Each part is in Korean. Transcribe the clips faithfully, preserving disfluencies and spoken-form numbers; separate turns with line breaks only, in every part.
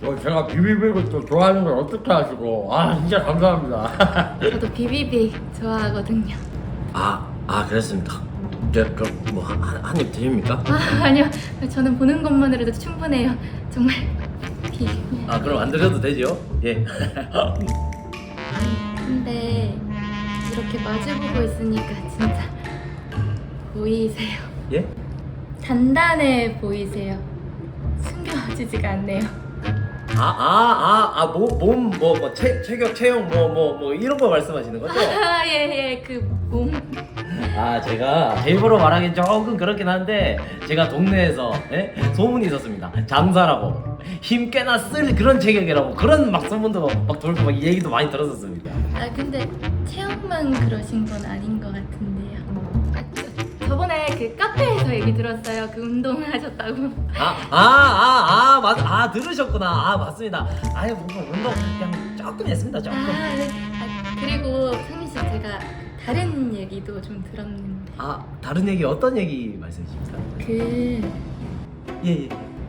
어, 제가 비비빅을 또 좋아하는 걸 어떻게 아시고. 아, 진짜 감사합니다.
저도 비비빅 좋아하거든요.
아, 아 그랬습니까? 네, 그럼 뭐 한 입 드립니까?
아 아니요, 저는 보는 것만으로도 충분해요. 정말 비.
아 그럼 안 드려도 되죠? 예.
근데 이렇게 마주보고 있으니까 진짜 보이세요?
예?
단단해 보이세요. 숨겨지지가 않네요.
아아아아몸몸뭐 뭐 체격 체형 뭐 뭐 뭐 이런 거 말씀하시는 거죠?
아예예 그 몸.
아 제가 제 입으로 말하기 조금 그렇긴 한데 제가 동네에서 예? 소문이 있었습니다. 장사라고 힘 꽤나 쓸 그런 체격이라고 그런 막 소문도 막 돌고 막 얘기도 많이 들었었습니다.
아 근데 체형만 그러신 건 아닌 것 같은데요. 아, 저, 저번에 그 카페에서 얘기 들었어요. 그 운동하셨다고.
아아아아 맞 아 들으셨구나. 아 맞습니다. 아유 뭔가 운동 그냥 조금 했습니다. 조금.
아, 네. 아 그리고 상민 씨 제가 다른 얘기도 좀 들었는데
아 다른 얘기 어떤 얘기 말씀이십니까?
그
예예.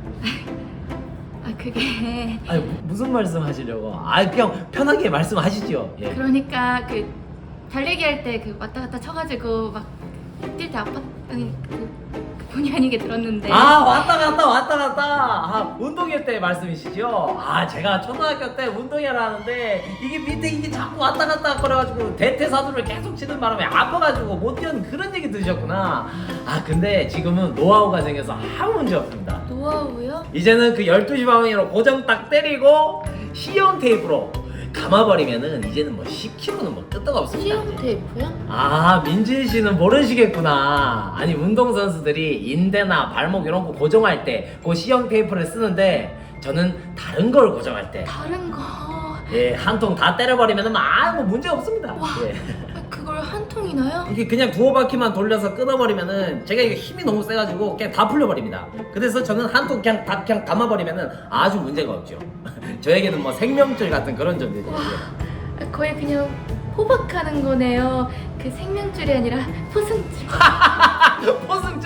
아 그게
아니 무, 무슨 말씀 하시려고? 아 그냥 편하게 말씀하시죠. 예.
그러니까 그 달리기 할 때 그 왔다 갔다 쳐가지고 막 뛸 때 아팠더니 그, 그 본의 아니게 들었는데
아 왔다 갔다 왔다 갔다 아 운동회 때 말씀이시죠? 아 제가 초등학교 때 운동회를 하는데 이게 밑에 이게 자꾸 왔다 갔다 그래가지고 대퇴사두를 계속 치는 바람에 아파가지고 못 뛰는 그런 얘기 들으셨구나. 아 근데 지금은 노하우가 생겨서 아무 문제 없습니다.
노하우요?
이제는 그 열두 시 방향으로 고정 딱 때리고 시형 테이프로 감아버리면은 이제는 뭐 십 킬로그램는 뭐 끄떡 없습니다.
시험 테이프요?
아 민진 씨는 모르시겠구나. 아니 운동 선수들이 인대나 발목 이런 거 고정할 때 그 시형 테이프를 쓰는데 저는 다른 걸 고정할 때
다른 거.
예, 한 통 다 때려버리면은 아무 문제 없습니다.
와.
예.
아, 그걸 한 통이나요?
이게 그냥 두어 바퀴만 돌려서 끊어버리면은 제가 이게 힘이 너무 세가지고 그냥 다 풀려버립니다. 그래서 저는 한 통 그냥 다 그냥 감아버리면은 아주 문제가 없죠. 저에게는 뭐 생명줄 같은 그런 존재죠.
와, 아, 거의 그냥 호박하는 거네요. 그 생명줄이 아니라 포승줄.
포승줄.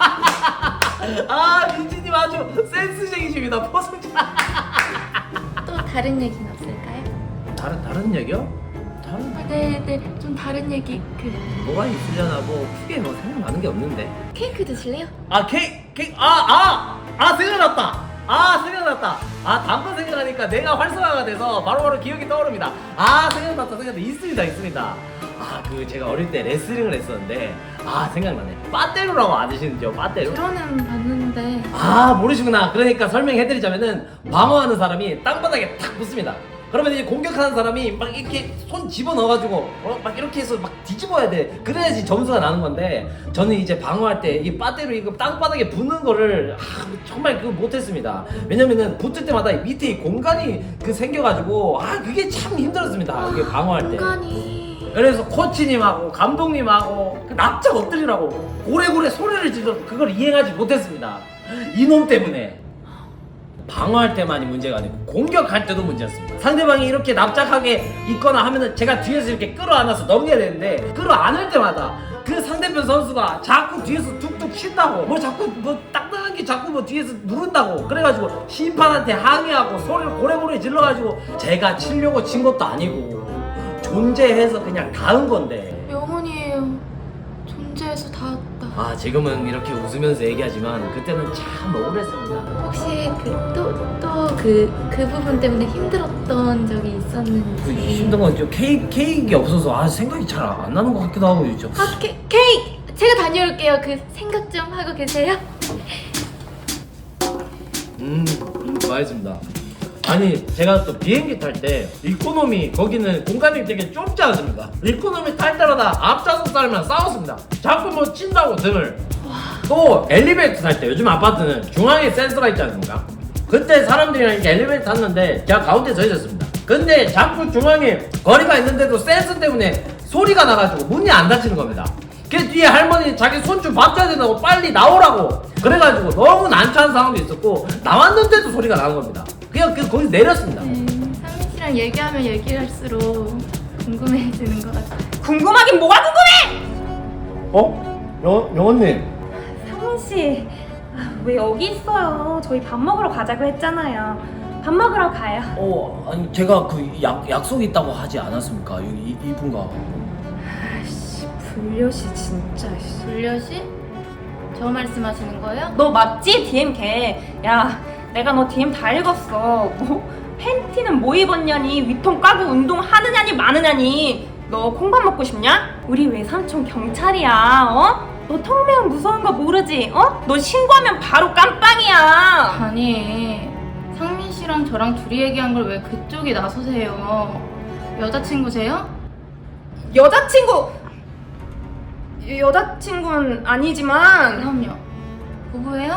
아 민지님 아주 센스쟁이십니다. 포승줄.
또 다른 얘기는 없을까요?
다른 다른 얘기요? 다른
아, 네, 네, 좀 다른 얘기. 그
뭐가 있으려나 뭐 크게 뭐 생각나는 게 없는데.
케이크 드실래요?
아 케이크 케이크 아아아 아, 아, 생각났다. 아 생각났다. 아 다음 거 생각하니까 내가 활성화가 돼서 바로바로 기억이 떠오릅니다. 아 생각났다 생각났다 있습니다 있습니다. 아 그 제가 어릴 때 레슬링을 했었는데 아 생각나네. 빠떼루라고 아시는지요? 빠떼루?
저는 봤는데
아 모르시구나. 그러니까 설명해드리자면은 방어하는 사람이 땅바닥에 탁 붙습니다. 그러면 이제 공격하는 사람이 막 이렇게 손 집어넣어가지고 어? 막 이렇게 해서 막 뒤집어야 돼. 그래야지 점수가 나는 건데 저는 이제 방어할 때 이 빠떼로 이거 땅바닥에 붙는 거를 아, 정말 그거 못했습니다. 왜냐면은 붙을 때마다 밑에 이 공간이 그 생겨가지고 아 그게 참 힘들었습니다. 이게 방어할 때.
공간이
그래서 코치님하고 감독님하고 그 납작 엎드리라고 고래고래 소리를 질러 그걸 이행하지 못했습니다. 이놈 때문에. 방어할 때만이 문제가 아니고 공격할 때도 문제였습니다. 상대방이 이렇게 납작하게 있거나 하면은 제가 뒤에서 이렇게 끌어안아서 넘겨야 되는데 끌어안을 때마다 그 상대편 선수가 자꾸 뒤에서 툭툭 친다고 뭐 자꾸 뭐 딱딱한 게 자꾸 뭐 뒤에서 누른다고 그래가지고 심판한테 항의하고 소리를 고래고래 질러가지고 제가 치려고 친 것도 아니고 존재해서 그냥 닿은 건데
영혼이에요. 존재해서 닿았다.
아 지금은 이렇게 웃으면서 얘기하지만 그때는 참 억울했습니다.
혹시 그 또 또 그 그 부분 때문에 힘들었던 적이
그
있었는지.
힘든 건 좀 케이크 케이크가 없어서 아 생각이 잘 안 나는 것 같기도 하고 있죠.
아 케, 케이크 제가 다녀올게요. 그 생각 좀 하고 계세요.
음, 맛있습니다. 아니 제가 또 비행기 탈 때 이코노미 거기는 공간이 되게 좁지 않습니까? 이코노미 탈 때마다 앞좌석 사람이랑 싸웠습니다. 자꾸 뭐 친다고 등을. 또 엘리베이터 탈 때 요즘 아파트는 중앙에 센서가 있지 않습니까? 그때 사람들이랑 이렇게 엘리베이터 탔는데 제가 가운데 서 있었습니다. 근데 자꾸 중앙에 거리가 있는데도 센서 때문에 소리가 나가지고 문이 안 닫히는 겁니다. 그 뒤에 할머니 자기 손 좀 받쳐야 된다고 빨리 나오라고 그래가지고 너무 난처한 상황도 있었고 나왔는데도 소리가 나는 겁니다. 그냥 그 거기서 내렸습니다.
음, 상민 씨랑 얘기하면 얘기할수록 궁금해지는 것 같아요.
궁금하긴 뭐가 궁금해!
어? 영, 영원님
상훈 씨, 아, 왜 여기 있어요? 저희 밥 먹으러 가자고 했잖아요. 밥 먹으러 가요.
어 아니 제가 그 약, 약속이 있다고 하지 않았습니까? 이, 이, 이분과.
아씨 불려시 진짜. 씨.
불려시? 저 말씀하시는 거예요?
너 맞지? 디엠 걔. 야 내가 너 디엠 다 읽었어. 뭐 팬티는 뭐 입었냐니, 위통 까고 운동하느냐니 마느냐니. 너 콩밥 먹고 싶냐? 우리 외삼촌 경찰이야. 어? 너 턱매운 무서운 거 모르지? 어? 너 신고하면 바로 깜빵이야.
아니, 상민 씨랑 저랑 둘이 얘기한 걸 왜 그쪽이 나서세요? 여자친구세요?
여자친구 여자친구는 아니지만
그럼요. 부부예요?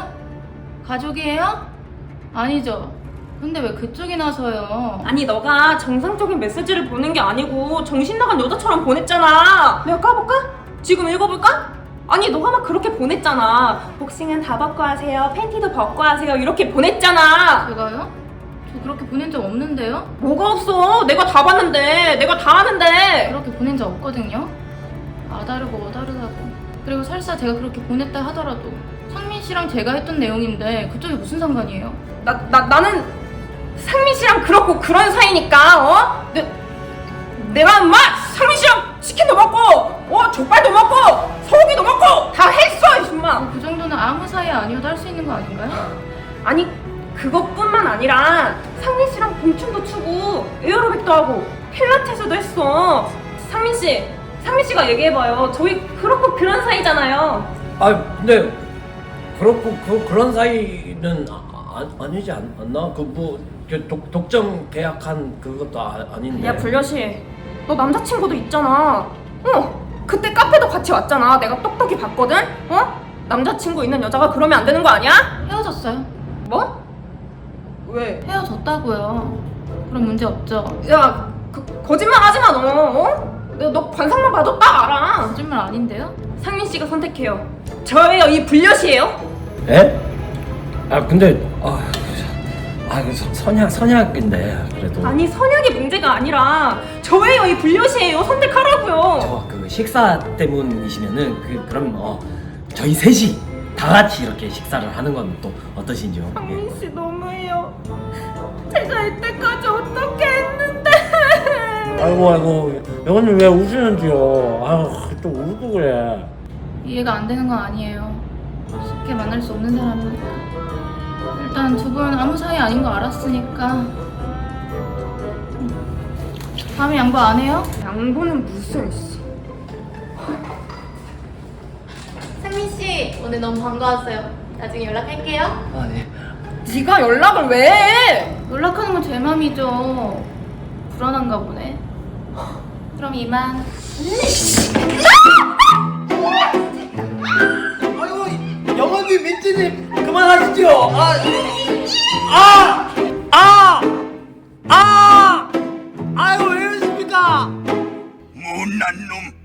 가족이에요? 아니죠. 근데 왜 그쪽이 나서요?
아니 너가 정상적인 메시지를 보낸 게 아니고 정신 나간 여자처럼 보냈잖아. 내가 까볼까? 지금 읽어볼까? 아니 너가 막 그렇게 보냈잖아. 복싱은 다 벗고 하세요, 팬티도 벗고 하세요, 이렇게 보냈잖아.
제가요? 저 그렇게 보낸 적 없는데요?
뭐가 없어? 내가 다 봤는데. 내가 다 하는데.
그렇게 보낸 적 없거든요? 아다르고 어다르다고. 그리고 설사 제가 그렇게 보냈다 하더라도 상민 씨랑 제가 했던 내용인데 그쪽이 무슨 상관이에요?
나, 나, 나는 상민 씨랑 그렇고 그런 사이니까. 어? 내, 내가 엄마 상민 씨랑 치킨도 먹고 어? 족발도 먹고 소고기도 먹고 다 했어 임마.
그 정도는 아무 사이 아니어도 할 수 있는 거 아닌가요?
아니 그것뿐만 아니라 상민 씨랑 봉춤도 추고 에어로빅도 하고 필라테스도 했어. 상민 씨, 상민 씨가 얘기해봐요. 저희 그렇고 그런 사이잖아요.
아 근데 그렇고 그 그런 사이는 아, 아, 아니지 않, 않나? 그뭐 독점 계약한 그것도 아, 아닌데.
야 불려시, 너 남자친구도 있잖아. 어, 그때 카페도 같이 왔잖아. 내가 똑똑히 봤거든. 어? 남자친구 있는 여자가 그러면 안 되는 거 아니야?
헤어졌어요.
뭐? 왜?
헤어졌다고요. 그럼 문제 없죠?
야, 그, 거짓말 하지 마 너. 어? 너, 너 관상만 봐도 딱 알아.
거짓말 아닌데요?
상민 씨가 선택해요. 저예요, 이 불려시예요?
에? 아 근데 아, 아 그 선약 선약인데 그래도.
아니 선약이 문제가 아니라 저예요, 이 불려시예요. 선택하라고요.
저 그 식사 때문이시면은 그 그럼 어 저희 셋이 다 같이 이렇게 식사를 하는 건 또 어떠신지요? 예.
상민 씨 너무해요. 제가 이때까지 어떻게 했는데.
아이고 아이고 여건님 왜 우시는지요? 아유 또 울고 그래.
이해가 안 되는 건 아니에요. 쉽게 만날 수 없는 사람이니까. 일단 두 분 아무 사이 아닌 거 알았으니까 음. 다음에 양보 안 해요?
양보는 무슨 씨.
상민 씨, 오늘 너무 반가웠어요. 나중에 연락할게요.
아 네.
네가 연락을 왜 해?
연락하는 건 제 맘이죠. 불안한가 보네. 그럼 이만.
아이고 영원님 민지님 그만하시죠. 아, 아, 아, 아, 아이고 왜 이러십니까?
못난 놈